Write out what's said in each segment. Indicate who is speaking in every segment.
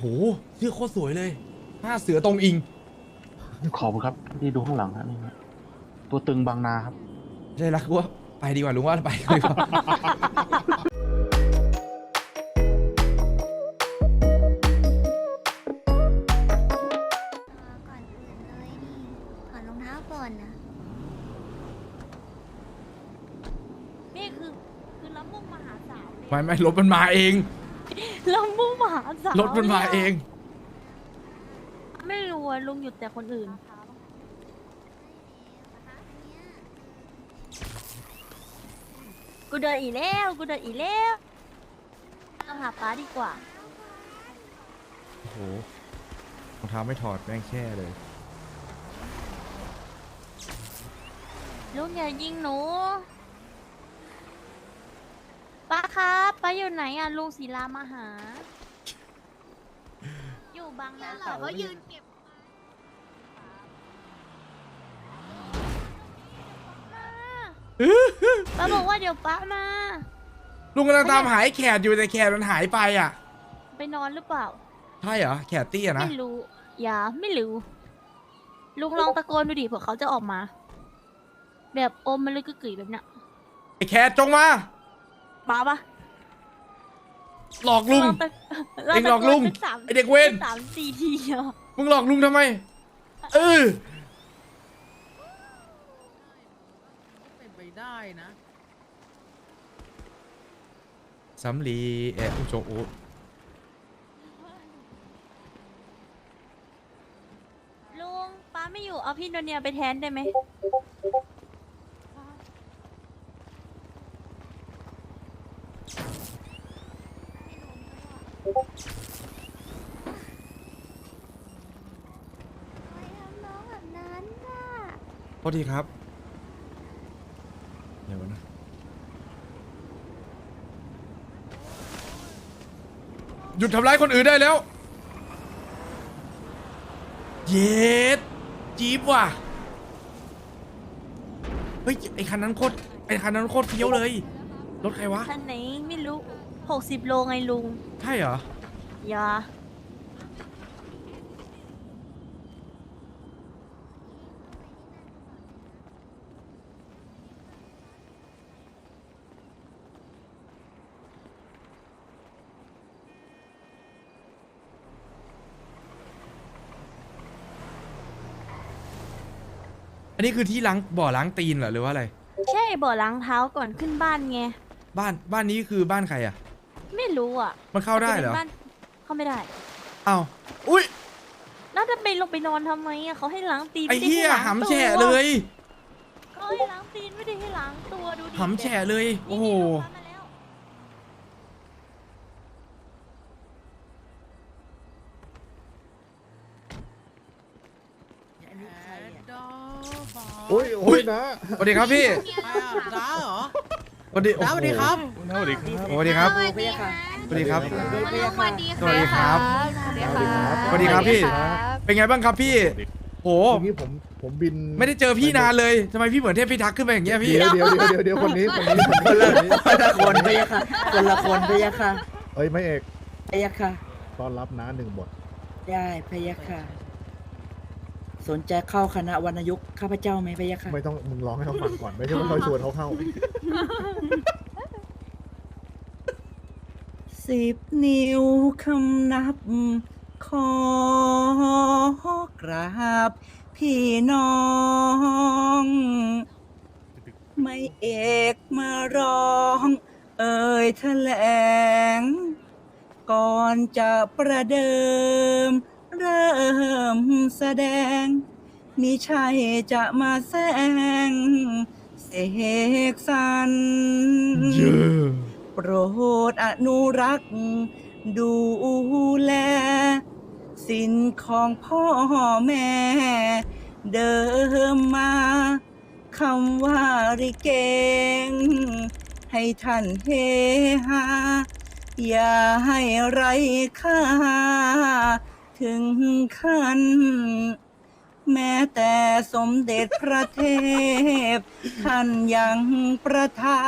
Speaker 1: ชื่อโคตรสวยเลย5 เสือตรงอิง
Speaker 2: ขอบคุณครับที่ดูข้างหลังนะนี่ตัวตึงบางนาครับ
Speaker 1: ใช่ละกูว่าไปดีกว่าลุงว่าไปดีกว่า
Speaker 3: ก่อนอื่นเลยนี่ถอดรองเท้าก่อนนะ
Speaker 4: นี่คือลำมุ่งมหาสาวเลย
Speaker 1: ไม่รถมันมาเอง
Speaker 4: ลำมุ่งมหาสาว
Speaker 1: รถมันมาเอง
Speaker 4: ไม่รู้อะลุงหยุดแต่คนอื่น กูเดินอีกแล้วเราหาป้าดีกว่า
Speaker 1: โอ้โหรองเท้าไม่ถอดแม่งแช่เลย
Speaker 4: ลุงอย่ายิงหนูป้าครับป้าอยู่ไหนอะลุงศิลามาหา อยู่บางนา
Speaker 3: เขายืนเก็บ
Speaker 4: ป้าบอกว่าเดี๋ยวป้ามา
Speaker 1: ลุงกำลังตามหาไอ้แขกอยู่แต่แขกมันหายไปอ่ะ
Speaker 4: ไปนอนหรือเปล่า
Speaker 1: ใช่เหรอแขกเตี้ยนะ
Speaker 4: ไม่รู้ อย่าไม่รู้ ลุงลองตะโกนดูดิเผื่อเขาจะออกมา แบบอมมันเลยกึกกึ๋ยแบบเนี้ย
Speaker 1: ไอ้แขกจงมา
Speaker 4: ป้าปะ
Speaker 1: หลอกลุง เอ็งหลอกลุง
Speaker 4: สั
Speaker 1: ไอ้เด็กเวร
Speaker 4: 3-4 ทีอะ
Speaker 1: มึงหลอกลุงทำไมเออ
Speaker 5: เป็นไปได้นะ
Speaker 1: สำลีอุโจโอ
Speaker 4: ลุงป้าไม่อยู่เอาพี่โนเนียไปแทนได้ไหม
Speaker 3: ไปทำน้องแบบนั้นน่ะ
Speaker 1: โทษทีครับเดี๋ยวนะหยุดทำร้ายคนอื่นได้แล้ว เย็ดจี๊บว่ะเฮ้ยไอคันนั้นโคตรเฟี้ยวเลยรถใครวะ
Speaker 4: ท่านไหนไม่รู้60 โลไงลุง
Speaker 1: ใช่เหรอ
Speaker 4: อย่า
Speaker 1: อันนี้คือที่ล้างบ่อล้างตีนเหรอหรือว่าอะไร
Speaker 4: ใช่บ่อล้างเท้าก่อนขึ้นบ้านไง
Speaker 1: บ้านนี้คือบ้านใครอ่ะ
Speaker 4: ไม่รู้อ่ะ
Speaker 1: มันเข้าได้เหรอ
Speaker 4: จะป็นบ้านเข้าไม่ได้
Speaker 1: อ้าวอุ้ย
Speaker 4: แล้วจะไปลงไปนอนทำไมอ่ะเขาให้ล้างตีน
Speaker 1: ไอ้
Speaker 4: ม่ด้
Speaker 1: เหี้ย
Speaker 4: ให้ล้าง
Speaker 1: หำ
Speaker 4: ตัว
Speaker 1: แฉะเลย
Speaker 4: เขาให้ล้างตีนไม่ได้ให้ล้างตัวดูดิ
Speaker 1: หำแฉะเลย โอ้โห
Speaker 4: นี่ลูกค้ามาแล้ว
Speaker 5: โอ้ย
Speaker 1: โอ้ยนะสวัสดีครับพี่
Speaker 5: จ้าเหรอ
Speaker 1: สวัสดี
Speaker 5: จ้าสวัสดีครับ
Speaker 1: สวัสดีครับ
Speaker 3: สวัสดีค่ะ
Speaker 1: สวัสดีครับ
Speaker 3: สวัสดีค่ะ
Speaker 1: สวัสดีครับ สวัสดีครับพี่ เป็นไงบ้างครับพี่ โห
Speaker 6: เมื่อกี้ผมบิน
Speaker 1: ไม่ได้เจอพี่นานเลยทำไมพี่เหมือนเทพพิทักษ์ขึ้นไปอย่างเงี้ยพี่
Speaker 6: เดี๋ยวคนนี้
Speaker 7: คนละคนพะยะค่ะคนละคนพะยะค่ะ
Speaker 6: เอ้ยไม่เอก
Speaker 7: พะยะค่ะ
Speaker 6: ต้อนรับนะ1 บท
Speaker 7: ได้พะยะค่ะ สนใจเข้าคณะวรรณยุกต์ข้าพเจ้าไหมพะยะค่ะ
Speaker 6: ไม่ต้องมึงร้องให้เขาฟังก่อน ไม่ใช่ว่าเขาชวนเขาเข้า
Speaker 7: 10 นิ้วคำนับ ขอกราบ พี่น้อง ไม่เอกมาร้อง เอ่ยแถลง ก่อนจะประเดิม เริ่มแสดง มิใช่จะมาแซงเสกสรร
Speaker 1: เยอะ
Speaker 7: โปรดอนุรักษ์ดูแล สินของพ่อแม่ เดิมมาคำว่าริเกง ให้ท่านเฮฮาอย่าให้ไรค่า ถึงขั้น แม้แต่สมเด็จพระเทพ ท่านยังประทาน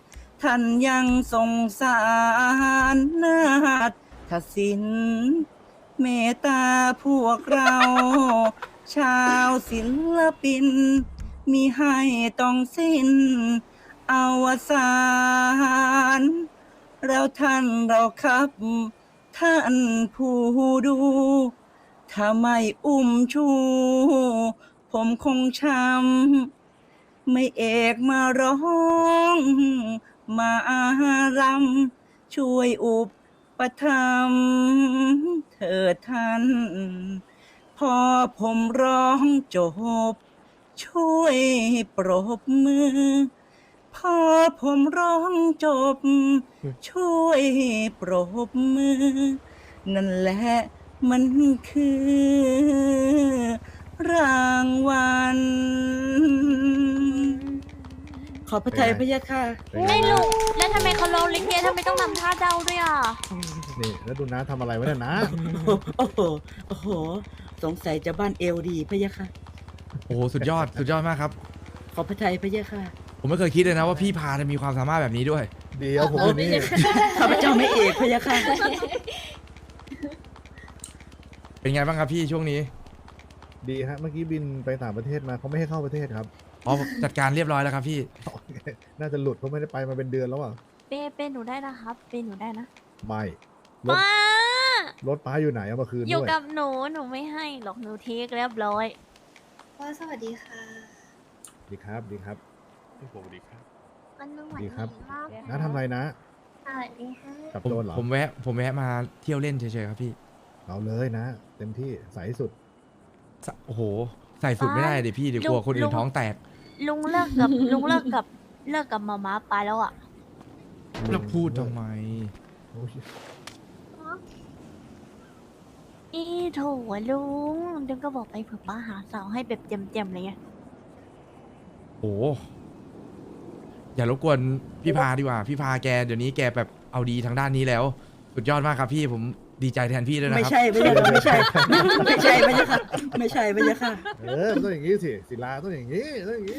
Speaker 7: ท่านยังทรงสารนาฏศิลป์เมตตาพวกเรา ชาวศิลปิน มีให้ต้องสิ้นอวสานเราท่านเราครับ ท่านผู้ดู ถ้าไม่อุ้มชู ผมคงช้ำไม่เอกมาร้องมารำช่วยอุปถัมภ์เถิดท่าน พอผมร้องจบ ช่วยปรบมือ พอผมร้องจบ ช่วยปรบมือ นั่นแหละมันคือรางวัล ขอพระทัยพระยะค่ะ
Speaker 6: เป็นไง
Speaker 4: ไม่
Speaker 6: นะ
Speaker 4: ลุงแล้วทำไมเขาร้องลิเกทำไมต้องทำท่าเดาด้วยอ่ะ
Speaker 6: นี่แล้วดูน้าทำอะไรไว้เนี่ยนะ
Speaker 7: โอ้โห โอ้โห สงสัยจะบ้านเอวดีพระยะค่ะ
Speaker 1: โอ้โหสุดยอดสุดยอดมากครับ
Speaker 7: ขอพระทัยพระยะค่ะ
Speaker 1: ผมไม่เคยคิดเลยนะว่าพี่พาจะมีความสามารถแบบนี้ด้วย
Speaker 6: เดี๋ยวผมอยู่นี่
Speaker 7: ข้าพเจ้าไม่เอกพระยะค่ะ
Speaker 1: เป็นไงบ้างครับพี่ช่วงนี้
Speaker 6: ดีฮะเมื่อกี้บินไปต่างประเทศมาเขาไม่ให้เข้าประเทศครับ
Speaker 1: อ๋อจัดการเรียบร้อยแล้วครับพี่
Speaker 6: น่าจะหลุดเพราะไม่ได้ไปมาเป็นเดือนแล้วอ่ะ
Speaker 4: เป้หนูได้นะครับเป้หนูได้นะ
Speaker 6: ไม่รถ
Speaker 4: มาร
Speaker 6: ถป้าอยู่ไหนเอามาคืน
Speaker 4: อยู่
Speaker 6: ด้วย
Speaker 4: กับหนูไม่ให้หรอกหนูเทคเรียบร้อย
Speaker 3: ว่าสวัสดีค่ะ
Speaker 6: ดีครับดีครับ
Speaker 3: มันนุ่มหวาน
Speaker 6: ดีครับ
Speaker 3: มาก
Speaker 6: น้าทำอะไรนะ
Speaker 3: สวัสดีค่ะ
Speaker 6: กับ
Speaker 1: ผม
Speaker 6: โดนเหรอ
Speaker 1: ผมแวะมาเที่ยวเล่นเฉยๆครับพี่
Speaker 6: เอาเลยนะ เต็มที่ใสสุด
Speaker 1: โอ้โห ใส่สุดไม่ได้เดี๋ยวพี่เดี๋ยวกลัวคนอื่นท้องแตก
Speaker 4: ลุงเลิกกับ ลุงเลิกกับมาม่าไปแล้วอ่ะ
Speaker 1: แล้วพูดทำไม
Speaker 6: โอ้ย
Speaker 4: อีโถลุงเดี๋ยวก็บอกไปเผื่อป้าหาสาวให้แบบเจ็มๆเลยไง
Speaker 1: โอ้อย่ารบกวนพี่พาดีกว่า พี่พาแกเดี๋ยวนี้แกแบบเอาดีทางด้านนี้แล้ว สุดยอดมากครับพี่ผมดีใจแทนพี่ด้วยนะ
Speaker 7: ไม่
Speaker 1: ครับ
Speaker 7: ใช่พระยะค่ะไม่ใช่ ไม่ใช่พระยะค่ะไม่ใช่พระยะค่ะ
Speaker 6: มันต้องอย่างนี้สิศิลาต้องอย่างนี้ต้องอย่างนี้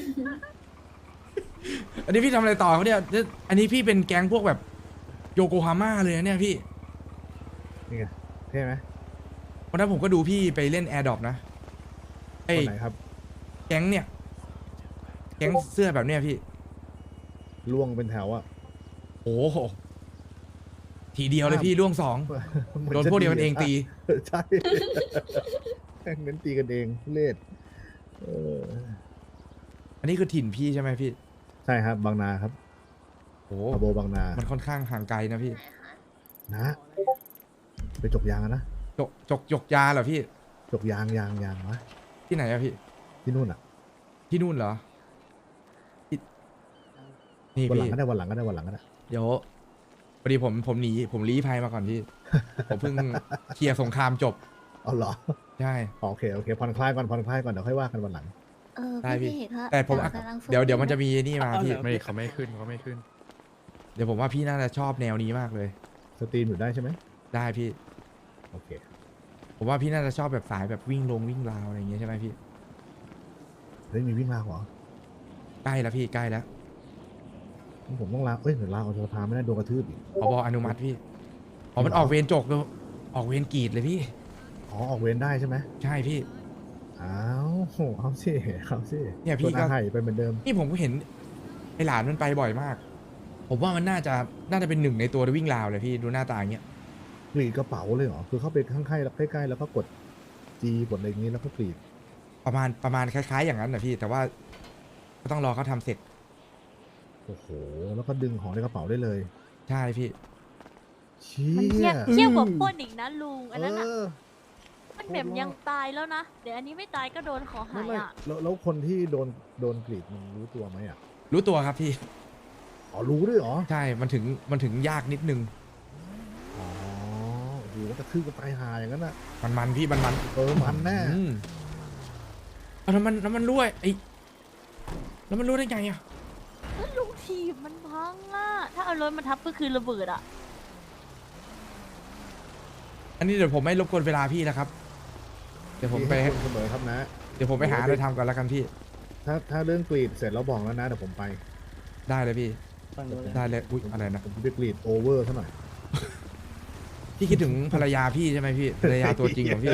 Speaker 1: อันนี้พี่ทำอะไรต่อเขาเนี่ยอันนี้พี่เป็นแก๊งพวกแบบโยโกฮาม่าเลยนะเนี่ยพี่
Speaker 6: นี่ไงเท่ไหม
Speaker 1: วันนั้นผมก็ดูพี่ไปเล่นแอร์ดรอปนะไอ้
Speaker 6: คนไหนครับ
Speaker 1: แก๊งเนี่ย แก๊งเสื้อแบบเนี้ยพี่
Speaker 6: ล่วงเป็นแถวอ่ะ
Speaker 1: โอ้โหทีเดียวเลยพี่ล่วงสอง
Speaker 6: หมือ
Speaker 1: โดนพวกเดียวกันเองตี
Speaker 6: ใช่แม่งเน้นตีกันเองเล่เออ
Speaker 1: อันนี้คือถิ่นพี่ใช่ไหมพี่
Speaker 6: ใช่ครับบางนาครับ
Speaker 1: โอ้
Speaker 6: พาโบบางนา
Speaker 1: มันค่อนข้างห่างไกลนะพี่
Speaker 6: นะ ไปจกยางอะนะ
Speaker 1: จกยาเหรอพี่
Speaker 6: จกยางวะ
Speaker 1: ที่ไหนอะพี่
Speaker 6: ที่นู่นอ่ะ
Speaker 1: ที่นู่นเหรอที่นี่
Speaker 6: วันหลัง
Speaker 1: พี่
Speaker 6: ก็ได้วันหลังก็ได้วันหลังก็ได้
Speaker 1: เดี๋ยวพอดีผมหนีผมลี้ภัยมาก่อนพี่ ผมเพิ่งเคลียร์สงครามจบ
Speaker 6: เอาเหรอ
Speaker 1: ใช่
Speaker 6: โอเคผ่อนคลายก่อนเดี๋ยวค่อยว่ากันวันหลัง
Speaker 3: เออ
Speaker 1: ได้พี่
Speaker 3: พี่เอกครับ
Speaker 1: แต่ผม
Speaker 3: เรากำลังฝึก
Speaker 1: เดี๋ยวมันจะมีนี่มาพี่
Speaker 2: ไม่เขาไม่ขึ้นเขาไม่ขึ้น
Speaker 1: เดี๋ยวผมว่าพี่น่าจะชอบแนวนี้มากเลย
Speaker 6: สตรีมอยู่ได้ใช่ไหม
Speaker 1: ได้พี่
Speaker 6: โอเค
Speaker 1: ผมว่าพี่น่าจะชอบแบบสายแบบวิ่งราวอะไรอย่างเงี้ยใช่ไหมพี่
Speaker 6: เฮ้ยมีวิ่งมาเหรอ
Speaker 1: ใกล้แล้วพี่ใกล้แล้ว
Speaker 6: ผมต้องลาเอ้ยเดี๋ยวลาออกจากสภาไม่ได้โดนกระทืบอีก
Speaker 1: ผบอนุมัติพี่อ๋อมันออกเวรจกเลยออกเวรกรีดเลยพี่
Speaker 6: อ๋อออกเวรได้ใช่ไหม
Speaker 1: ใช่พี่
Speaker 6: อ้าวเอาสิ
Speaker 1: เนี่ยพี่
Speaker 6: ชวน
Speaker 1: ก็
Speaker 6: อาไห่ไปเหมือนเดิม
Speaker 1: นี่ผมก็เห็นไอหลานมันไปบ่อยมาก ผมว่ามันน่าจะเป็นหนึ่งในตัววิ่งราวเลยพี่ดูหน้าตาอย่างเงี้ย
Speaker 6: กรีดกระเป๋าเลยเหรอคือเข้าไปข้างๆแล้วใกล้ๆแล้วก็กดจีกดอะไรอย่างนี้แล้วก็กรีด
Speaker 1: ประมาณคล้ายๆอย่างนั้นนะพี่ แต่ว่าก็ต้องรอเขาทำเสร็จ
Speaker 6: โอ้โหแล้วก็ดึงของในกระเป๋าได้เลย
Speaker 1: ใช่พี่
Speaker 6: เชี่
Speaker 4: มันเทียบ
Speaker 6: ย
Speaker 4: เทียบกับปล้นอีกนะลุงอันนั้นอ่ะ
Speaker 6: เออ
Speaker 4: มันแบบยังตายแล้วนะเดี๋ยวอันนี้ไม่ตายก็โดนขอหายอ่ะ
Speaker 6: แล้วคนที่โดนกรีดมันรู้ตัวไหมอ่ะ
Speaker 1: รู้ตัวครับพี่
Speaker 6: อ๋อรู้ด้วยเหรอ
Speaker 1: ใช่มันถึงยากนิดนึง
Speaker 6: อ๋อโอ้โหกระทืบกันตายหาอย่างนั้นอ่ะ
Speaker 1: มันพี่มัน
Speaker 6: มันแน่
Speaker 1: อืมเอาแล้วมันรั่วแล้วมันรั่วได้ไงอ่ะ
Speaker 4: แล้วลุงทีบมันพังอ่ะถ้าเอารถมาทับก็คือระเบิดอ่ะ
Speaker 1: อันนี้เดี๋ยวผมไม่รบกวนเวลาพี่นะครับ เดี๋ยวผมไป
Speaker 6: ให้คุณเสมอครับนะ
Speaker 1: เดี๋ยวผมไปหาอะไรทำก่อนแล้วกันพี่
Speaker 6: ถ้าเรื่องกรีดเสร็จแล้วบอกแล้วนะเดี๋ยวผมไป
Speaker 1: ได้เลยพี่ ได้เลยอุ๊ยอะไรนะ
Speaker 6: ผมจะไปกรีดโอเวอร์ซะหน่อย
Speaker 1: พี่คิดถึงภรรยาพี่ใช่ไหมพี่ภรรยาตัวจริงของพี่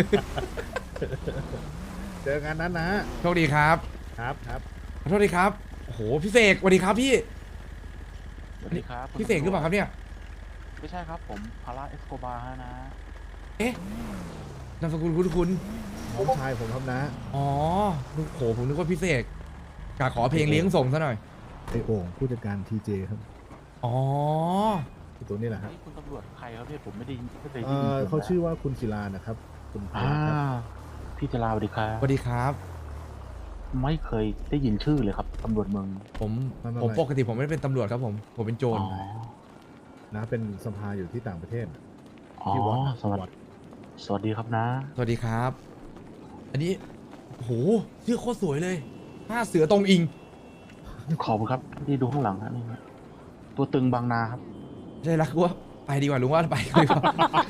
Speaker 6: เจอกันนั้นนะ
Speaker 1: โชคดีครับ
Speaker 6: ครับครับ
Speaker 1: ขอโทษดีครับโอ้โหพี่เสกสวัสดีครับพี่
Speaker 2: สวัสดีครับคุณ
Speaker 1: พี่เสกหรือเปล่าครับเนี่ย
Speaker 2: ไม่ใช่ครับผมพาราเอสโกบาร์นะ
Speaker 1: เอ๊ะนามสกุลคุณ
Speaker 6: น้องชายผมครับนะ
Speaker 1: อ๋อโอ้โหผมนึกว่าพี่เสกกะขอเพลงเลี้ยงส่งซะหน่อย
Speaker 6: ไอโอ่งผู้จัดการทีเจครับ
Speaker 1: อ๋อ
Speaker 6: ที่ตัวนี้แหละฮะ
Speaker 2: นี่คุณตำรวจใครครับเนี่ยผมไม่ได้เคย
Speaker 6: เอ
Speaker 2: ได้ยิน
Speaker 6: อเขาชื่อว่าคุณศิลานะครับ คุณพ
Speaker 2: อ่า
Speaker 6: ลครับ
Speaker 2: พี่จราสวัสดีครับ
Speaker 1: สวัสดีครับ
Speaker 2: ไม่เคยได้ยินชื่อเลยครับตำรวจเมือง
Speaker 1: ผมปกติผมไม่ได้เป็นตำรวจครับผมเป็นโจร
Speaker 2: อ๋อ
Speaker 6: นะเป็นสภาอยู่ที่ต่างประเทศ
Speaker 2: อ๋อ
Speaker 6: ที่วัด
Speaker 2: สวัสดีครับนะ
Speaker 1: สวัสดีครับ อันนี้โอ้โหเสื้อโคตรสวยเลยผ้าเสือตรงอิง
Speaker 2: ขอบคุณครับที่ดูข้างหลังฮะนี่ฮะตัวตึงบางนาครับ
Speaker 1: ใช่แล้วว่าไปดีกว่าลุงว่าไปดีกว่า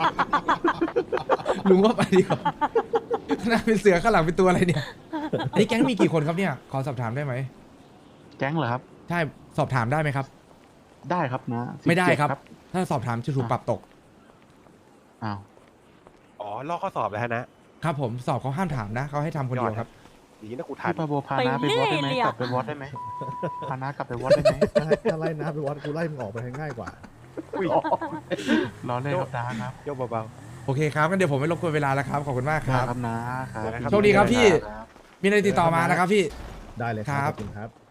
Speaker 1: ลุงว่าไปดีกว่าขนาดเป็นเสือข้างหลังเป็นตัวอะไรเนี่ยอันนี้แก๊งมีกี่คนครับเนี่ยขอสอบถามได้ไหม
Speaker 2: แก๊งเหรอครับ
Speaker 1: ใช่สอบถามได้ไหมครับ
Speaker 2: ได้ครับนะ
Speaker 1: ไม่ได้ครับ
Speaker 2: 17
Speaker 1: ถ้าสอบถามจะถูกปรับตก
Speaker 2: อ้าว
Speaker 8: อ๋อ ลอกข้อสอบแล้วนะ
Speaker 1: ครับผมสอบเขาห้ามถามนะเขาให้ทำคนเดียวครับ
Speaker 8: ดีนะกูทัน
Speaker 2: พี่ปาโบพานาไปวอดได้ไหม
Speaker 4: ไปเรื่อยเลยอะ
Speaker 2: กลับไปวอดได้ไหมพานากลับไปวอดได้ไหม
Speaker 6: ถ้าไล่นะไปวัดกูไล่มึงออกไปให้ง่ายกว่า
Speaker 8: อุ้ย
Speaker 2: รอเล่นครับนะครับ
Speaker 8: โยกเบา
Speaker 1: โอเคครับงั้นเดี๋ยวผมไม่รบกวนเวลาแล้วครับขอบคุณมากครับ
Speaker 2: ครับนะครับ
Speaker 1: โชคดีครับพี่
Speaker 2: ครับ
Speaker 1: มีอะไรติดต่อมานะครับพี่
Speaker 6: ได้เลยค
Speaker 1: ครั
Speaker 6: รับ บขอบคุณครับ